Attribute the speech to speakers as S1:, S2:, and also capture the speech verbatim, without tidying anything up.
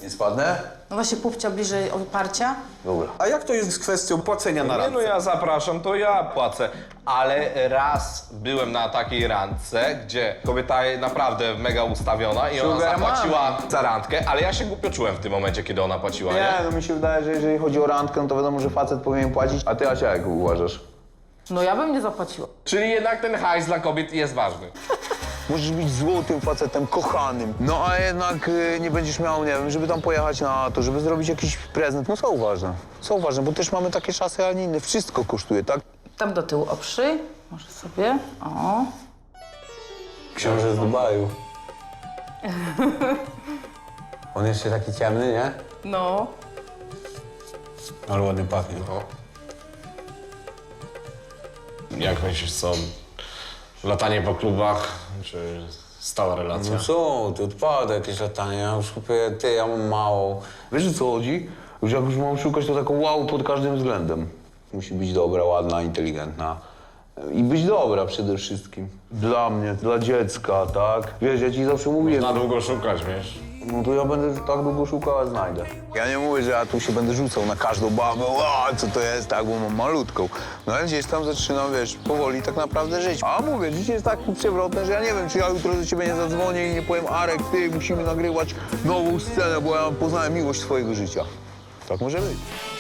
S1: Nie spadnę?
S2: No właśnie pupcia bliżej oparcia.
S1: Dobra. A jak to jest z kwestią płacenia na
S3: Nie no,
S1: randce?
S3: ja zapraszam, to ja płacę. Ale raz byłem na takiej randce, gdzie kobieta naprawdę mega ustawiona i ona
S4: Sugar
S3: zapłaciła za randkę, ale ja się głupio czułem w tym momencie, kiedy ona płaciła, nie?
S4: Nie, no mi się wydaje, że jeżeli chodzi o randkę, no to wiadomo, że facet powinien płacić. A ty, Asia, jak uważasz?
S2: No ja bym nie zapłaciła.
S3: Czyli jednak ten hajs dla kobiet jest ważny.
S4: Możesz być złotym facetem, kochanym. No a jednak y, nie będziesz miał, nie wiem, żeby tam pojechać na to, żeby zrobić jakiś prezent. No są ważne, są ważne, bo też mamy takie czasy, a nie inne. Wszystko kosztuje, tak?
S2: Tam do tyłu oprzyj. Może sobie. O.
S1: Książę z Dubaju. On jeszcze taki ciemny, nie?
S2: No.
S1: Ale ładnie pachnie.
S3: No. Jak myślisz, co? Latanie po klubach, czy stała relacja?
S1: No co, ty odpada jakieś latanie, ja już kupię, ty, ja mam mało. Wiesz, o co chodzi? Już jak już mam szukać, to taką wow pod każdym względem. Musi być dobra, ładna, inteligentna. I być dobra przede wszystkim. Dla mnie, dla dziecka, tak? Wiesz, ja ci zawsze mówię,
S3: Na długo szukać, wiesz?
S1: no to ja będę tak długo szukał, a znajdę.
S4: Ja nie mówię, że ja tu się będę rzucał na każdą babę, o, co to jest, tak, bo mam malutką. No ale gdzieś tam zaczynam, wiesz, powoli tak naprawdę żyć. A mówię, życie jest tak przewrotne, że ja nie wiem, czy ja jutro do ciebie nie zadzwonię i nie powiem, Arek, ty, musimy nagrywać nową scenę, bo ja poznałem miłość twojego życia. Tak może być.